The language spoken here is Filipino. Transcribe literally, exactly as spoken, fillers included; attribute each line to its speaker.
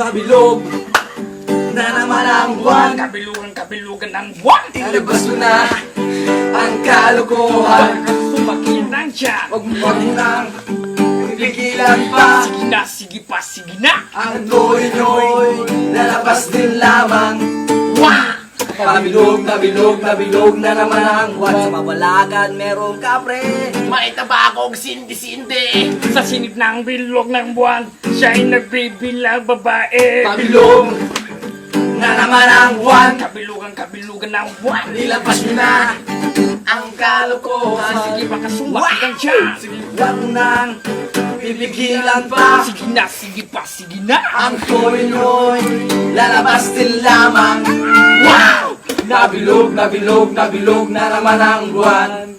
Speaker 1: nabilog na naman ang buwan.
Speaker 2: Kabilugan, kabilugan ng buwan.
Speaker 1: Ilabas mo na ang kalokohan.
Speaker 2: Sumakit ng tiyan.
Speaker 1: Huwag mo nang pipigilan pa.
Speaker 2: Sige na, sige pa, sige na.
Speaker 1: Ang toy-toy lalabas din lamang.
Speaker 2: Wah!
Speaker 1: Nabilog, nabilog, nabilog na naman ang buwan. Sa mabalagan merong kapre.
Speaker 3: Maitaba akong sindi-sindi.
Speaker 2: Sa sinip ng bilog ng buwan, siya'y nagbibilang babae.
Speaker 1: Nabilog na naman ang buwan.
Speaker 2: Kabilugan, kabilugan ng buwan.
Speaker 1: Nilabas mo na ang kalokohan.
Speaker 2: Sige baka sumakit ang tiyan.
Speaker 1: Huwag mo nang pipigilan pa.
Speaker 2: Sige na, sige pa, sige na.
Speaker 1: Ang toy-toy lalabas din lamang.
Speaker 2: Wow!
Speaker 1: Nabilog, nabilog, nabilog na naman ang buwan.